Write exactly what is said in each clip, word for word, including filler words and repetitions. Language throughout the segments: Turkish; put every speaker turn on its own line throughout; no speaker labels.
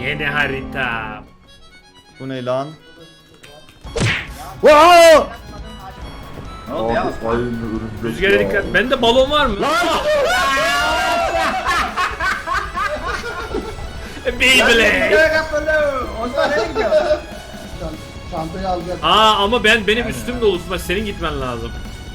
Yeni harita.
Bu ne lan? Wow!
Ne oldu ya?
Aynı örümcek
Rüzgara
ya.
dikkat. Bende balon var mı? Beyblade.
Göğe kapalı. Osman nereye gidiyor?
Çantayı alacak.
Aa ama ben benim üstüm dolu tutma. Senin gitmen lazım.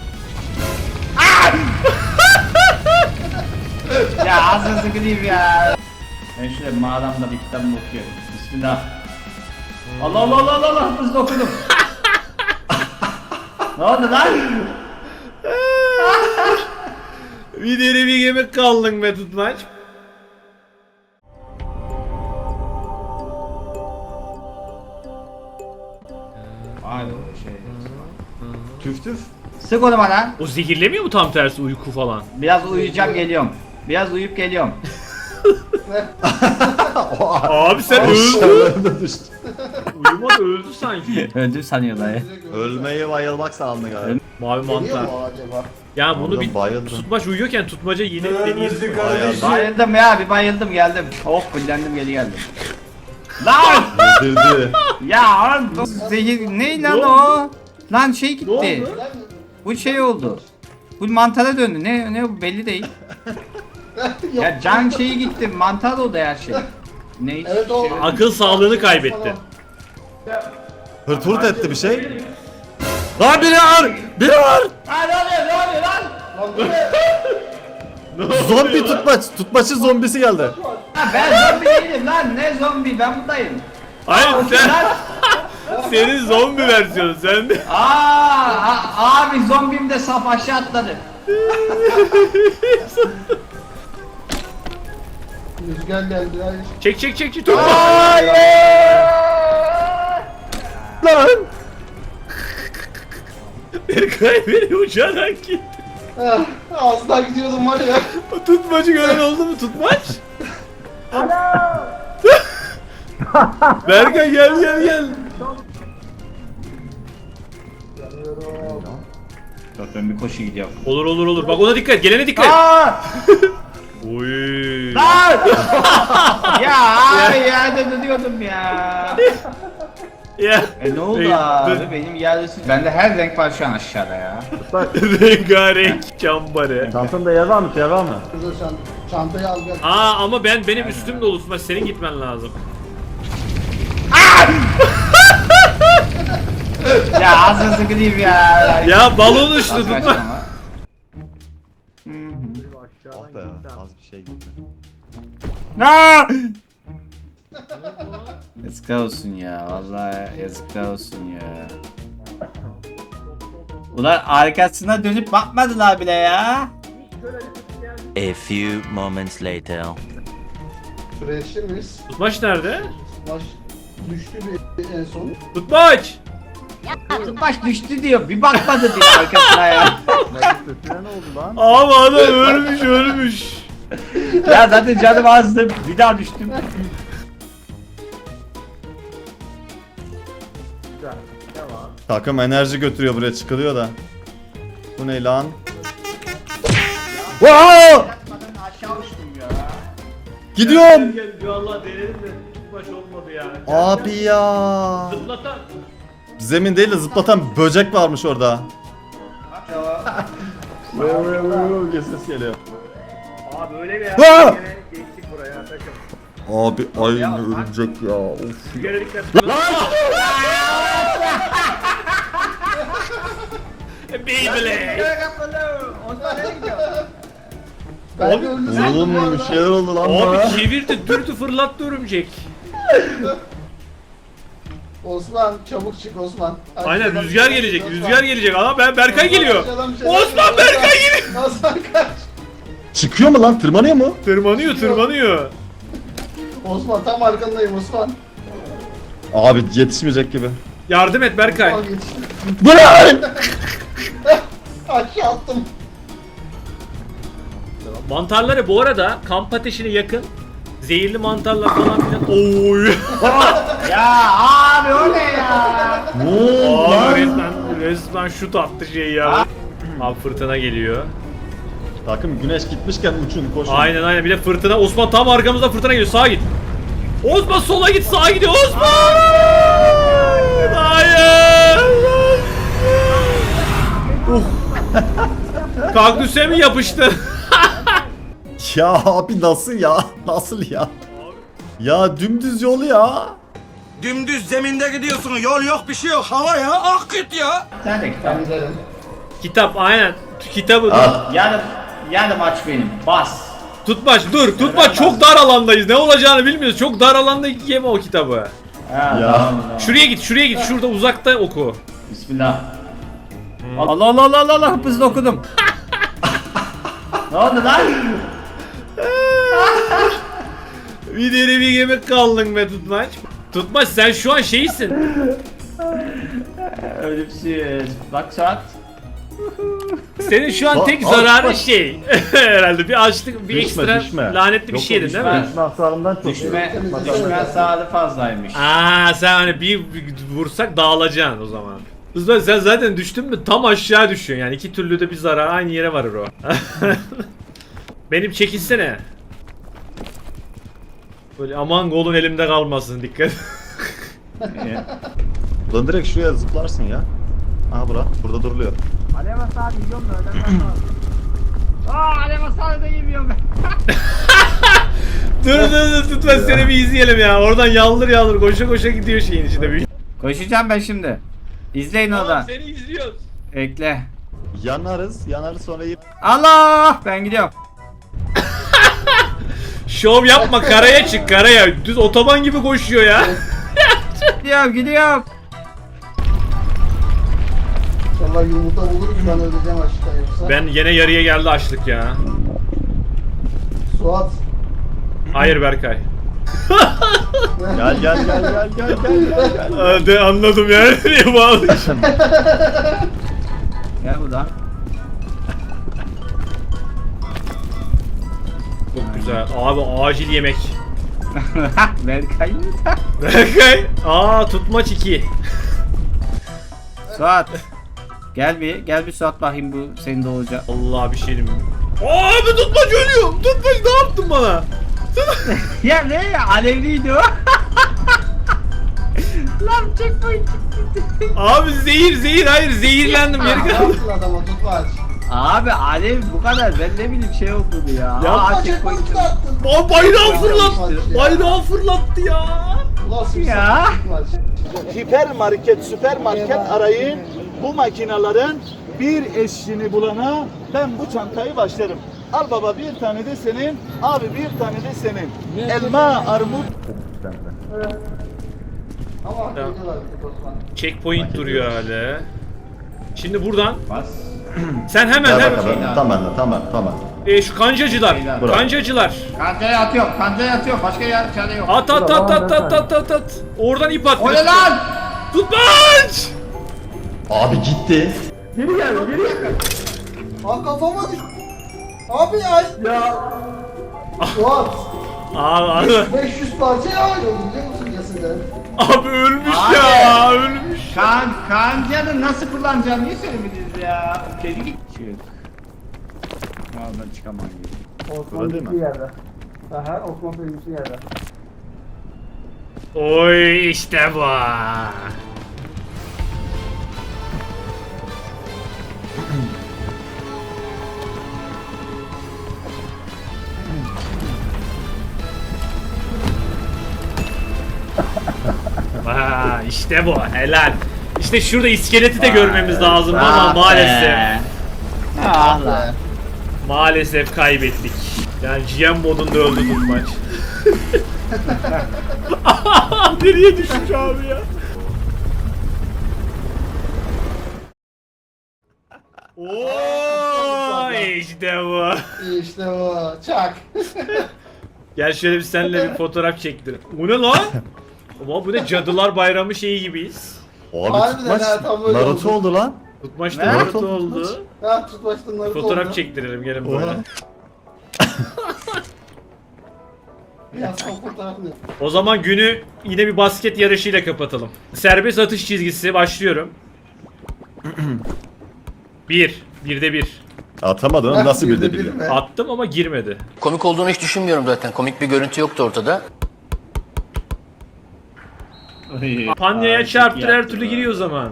Ya ağzını sıkılayım ya. Ben şöyle mağaramda bir kitabımı okuyorum. Bismillah. Allah Allah Allah Allah Allah hızlı okudum. Ne oldu lan?
Bir deri bir yemek kaldın be tutmaç.
Abi şey.
Tüf tüf.
Sık onu bana.
O zehirlemiyor mu tam tersi uyku falan?
Biraz uyuyacağım geliyorum. Biraz uyuyup geliyorum.
Abi sen öldün.
Aşağılarına düştü.
Uyumadı öldü sanki.
Öldü sanıyorlar ya.
Ölmeyi bayılmak sandı galiba.
Mavi
Geliyor
mantar.
mu acaba?
Ya bunu
Oğlum
bir
bayıldım.
tutmaç uyuyorken tutmaca yine deneyelim.
Bayıldım.
Bayıldım ya bir bayıldım geldim. Oh kullandım geri geldim. Lan!
Yedirdi.
Ya lan bu zehir ne lan o? Lan şey gitti. Bu şey oldu. Bu mantara döndü. Ne ne bu belli değil. Ya can şeyi gitti. Mantar oldu her şey. Ne?
Evet o.
Akıl sağlığını kaybetti.
Hırt hırt etti bir şey. Lan biri var! Biri var!
Lan ne oluyor ne oluyor lan?
Lan bu ne?
Zombi tutmaç. Tutmaçın zombisi geldi.
Ha, ben zombi değilim lan. Ne zombi ben buradayım.
Hayır sen
Lan.
senin zombi versiyonu sen de.
Aa, a- abi zombim de saf aşağı atladı.
Rüzgar geldi. Hayır.
Çek çek çek çek. Tut.
Lan!
Berkay beni uçarak gitti.
Ah, az daha gidiyordum var ya.
O tutmacı gören oldu mu tutmaç? Berkay gel gel gel.
Dur ben bir koşu gidiyorum.
Olur olur olur. Bak ona dikkat. Gelene dikkat.
Aa!
Oy.
Lan! Ya abi yerde dönüyordum ya.
Ya.
E ne oldu
Dur.
abi? Benim yerdesin. Bende her renk var şu an aşağıda ya.
Rengarenk çambarı.
Çantanda yer var mı? Yer var mı?
Şurada çant çantayı alacak.
Aa ama ben benim üstüm dolu tutmaç. Senin gitmen lazım.
Ya ağzını sıkılayım ya.
Ya balon uçtu
Az
tutma.
kaçtım ama.
Ah be az bir şey gitti.
No! Yazıklar olsun ya. Vallahi yazıklar olsun ya. Ulan arkasına dönüp bakmadılar bile ya.
A few moments later.
Şuraya yetişir miyiz?
Tutmaç nerede?
Baş düştü bir en son.
Tutmaç.
Baş düştü diyor. Bir bakmadı diyor arkasına ya.
Sesine ne oldu lan?
Abi adam ölmüş ölmüş.
Ya zaten canım azdı. Bir daha düştüm.
Takım enerji götürüyor buraya çıkılıyor da. Bu ne lan? Wow!
Aşağı uçtum ya.
Gidiyorum.
Gel gel vallahi denedim de tutmaç olmadı ya.
Abi ya.
Zıplatan.
Zemin değil de zıplatan böcek varmış orada. Ses geliyor.
Abi öyle bir
Aa!
yer. Geçtik buraya takım.
Abi aynı örümcek ya. Of.
Rüzgara dikkat. Beyblade.
Göğe kapalı. Osman nereye gidiyor?
Ben
Abi,
de öldüm sandım bu
Oğlum bir
arada.
şeyler oldu lan bana.
Abi çevirdi dürtü fırlattı örümcek.
Osman çabuk çık Osman.
Aynen
Arkadan
rüzgar
bir şey
gelecek
Osman.
rüzgar gelecek. Aa ben Berkay geliyor.
Arkadan bir şeyler
Osman
geliyor.
Berkay geliyor.
Osman kaç.
Çıkıyor mu lan? Tırmanıyor mu?
Tırmanıyor tırmanıyor.
Osman tam arkandayım Osman.
Abi yetişmeyecek gibi.
Yardım et Berkay.
Osman geçti.
Bu ne?
Aşağı attım.
Mantarları bu arada kamp ateşine yakın. Zehirli mantarlar falan filan. Oy.
Ya abi o ne ya?
Abi resmen, resmen şut attı şey ya. Abi fırtına geliyor.
Takım güneş gitmişken uçun koşun.
Aynen aynen bir de fırtına. Osman tam arkamızda fırtına geliyor. Sağa git. Osman sola git, sağa gidiyor Osman. Hayır. Uh. Kaktüse mi yapıştı?
Ya abi nasıl ya? Nasıl ya? Ya dümdüz yolu ya.
Dümdüz zeminde gidiyorsun. Yol yok, bir şey yok. Hava ya. Akıt ya.
Sen de kitap.
Ben giderim.
Kitap aynen. Kitabı
Al.
Yarın, yarın maç benim. Bas.
tutmaç dur tutmaç çok dar alandayız, ne olacağını bilmiyoruz, çok dar alanda yeme o kitabı.
Ha,
Ya.
tamam, tamam.
Şuraya git, şuraya git, şurada uzakta oku.
Bismillah. Allah Allah Allah Allah Allah, hızlı okudum. Ne oldu lan?
Bir deri bir yemek kaldın be tutmaç. Tutmaç sen şu an şeysin.
Ölümsüz. Bak saat.
Senin şu an
Aa,
tek
aa,
zararın
bak.
şey. Herhalde bir açlık, bir
Düşme,
ekstra
düşme.
lanetli bir
Yok,
şeydin
yok,
değil
düşme.
mi?
Düşme hasarından çok.
Düşme,
Temizlik
düşme
yapıyorum.
sağlığı fazlaymış.
Aa sen hani bir, bir vursak dağılacaksın o zaman. Kızlar sen zaten düştün mü tam aşağı düşüyorsun yani, iki türlü de bir zarar aynı yere varır o. Benim çekilsene. Böyle aman golün elimde kalmasın, dikkat.
Lan direkt şuraya zıplarsın ya. Aha bura. Burada duruluyor.
Alev hasarı yiyorum da öyle ben. Aa, alev hasarı da yemiyorum ben.
Dur dur dur tutma, seni bir izleyelim ya. Oradan yaldır yaldır koşa koşa gidiyor şeyin içinde bir.
Koşacağım ben şimdi. İzleyin oradan.
seni izliyoruz.
Ekle.
Yanarız. Yanarız sonra yiyip.
Allah! Ben gidiyorum.
Şov yapma, karaya çık karaya. Düz otoban gibi koşuyor ya.
Gidiyorum, gidiyorum.
İnşallah yumurta buluruz, ben öleceğim aşkta yoksa.
Ben yine yarıya geldi açlık ya.
Suat.
Hayır Berkay.
Gel gel gel gel gel gel gel gel.
Hadi anladım ya. Nereye bağlıyorsun?
Gel buradan.
Çok güzel. Abi acil yemek.
Berkay.
Berkay. Aa tutmaç iki.
Suat. Gel bir, gel bir Suat bakayım bu senin de olacak.
Allah bir şey diyeyim. Abi tutmaç ölüyor. Tutmaç ne yaptın bana?
Ya ne ya? Alevliydi o. Lan checkpoint.
Abi zehir zehir hayır zehirlendim yeri
Ne
kaldı.
yaptın adama tutmaç?
Abi alev bu kadar. Ben ne bileyim şey oldu bu ya.
Ya
Aa,
Kaç
checkpoint.
checkpoint attın?
Aa, bayrağı
Ya.
fırlattı. Bayrağı fırlattı ya.
Nasıl bir
Ya.
sapık tutmaç?
Hipermarket, süpermarket arayın. Bu makinaların bir eşini bulana ben bu çantayı başlarım. Al baba, bir tane de senin, abi bir tane de senin. Elma, armut.
Ama hak ediyorlar bir tek Osman.
Checkpoint duruyor hala. Şimdi buradan
Bas.
sen hemen
Gel
hemen
bakalım. Tamam tamam tamam.
e, şu kancacılar.
Bravo.
Kancacılar.
Kancaya atıyorum. Kancaya atıyorum. Başka yer çare yok.
At at at at at at at at. Oradan ip at.
O ne lan?
Tutmaç!
Abi gitti.
Aa kafama düştü. Abi ya. Ya. Suat.
Abi, abi,
beş yüz parçaya ayrıldı biliyor musun ceseden?
abi ölmüş
Abi.
ya ölmüş.
Kan, kancanı nasıl kullanacağım niye söylemediniz ya? Deli git. Çık. Oradan çıkamam gibi.
Osman
değil mi?
bir yerde. Aha Osman bir yerde.
Oy işte bu. Vay işte bu, helal. İşte şurada iskeleti de görmemiz lazım ama maalesef
Ah lan.
maalesef kaybettik. Yani G M modunda öldü tutmaç. Nereye düşmüş abi ya? Oo işte bu.
İşte bu. Çak.
Gel şöyle bir seninle bir fotoğraf çektirelim. Bu ne lan? Ama bu ne, Cadılar Bayramı şeyi gibiyiz.
Abi
Harbiden
tutmaç
ha, tam öyle
Naruto
oldu.
oldu lan.
Tutmaç
Ne?
da Naruto oldu.
Ha tutmaçtan Naruto
Fotoğraf
oldu.
çektirelim gelin
Oha.
böyle.
Ya son fotoğrafını.
O zaman günü yine bir basket yarışıyla kapatalım. Serbest atış çizgisi başlıyorum. Bir. Birde bir.
Atamadın oğlum, nasıl bir de biliyor.
mi?
Attım ama girmedi.
Komik olduğunu hiç düşünmüyorum zaten. Komik bir görüntü yoktu ortada.
Panyaya çarptır her türlü giriyor o zaman.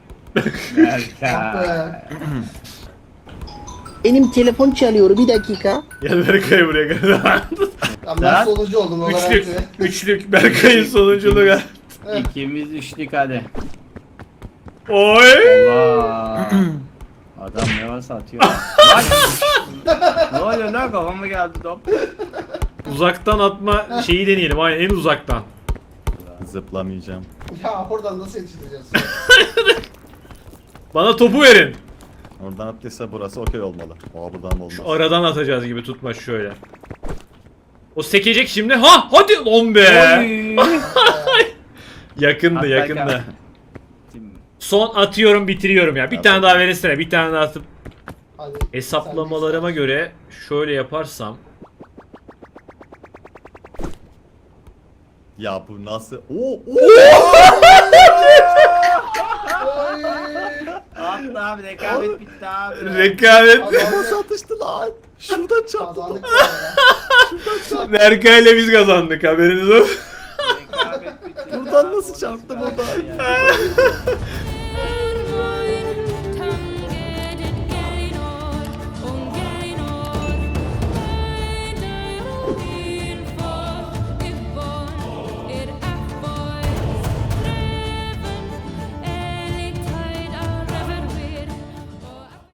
Berkay.
Benim telefon çalıyor bir dakika.
Gel Berkay buraya gel.
Tamam ben sonucu oldum o kadar.
Üçlük, üçlük Berkay'ın sonunculuğu.
İkimiz üçlük hadi.
Oy!
Allah. Adam ne varsa atıyor. Lan! Ne oluyor lan, kafama geldi top.
Uzaktan atma şeyi deneyelim. Aynen en uzaktan.
Zıplamayacağım.
Ya oradan nasıl yetiştireceğiz?
Bana topu verin.
Oradan attıysa burası okey olmalı. Aa buradan olmaz.
Şu aradan atacağız gibi tutma şöyle. O sekecek şimdi. Ha hadi on be. Yakındı
At
yakındı.
Berkay.
Son atıyorum bitiriyorum ya. Bir tane daha verirsene. Bir tane daha atıp
Hadi.
hesaplamalarıma göre şöyle yaparsam.
Ya bu nasıl? Oo, oo.
Attı abi, rekabet bitti abi.
Rekabet.
Nasıl atıştı lan? Şuradan çarptı.
Kazandık ya.
Berkay'la biz kazandık haberiniz olsun.
Rekabet bitti.
Buradan nasıl çarptı buradan?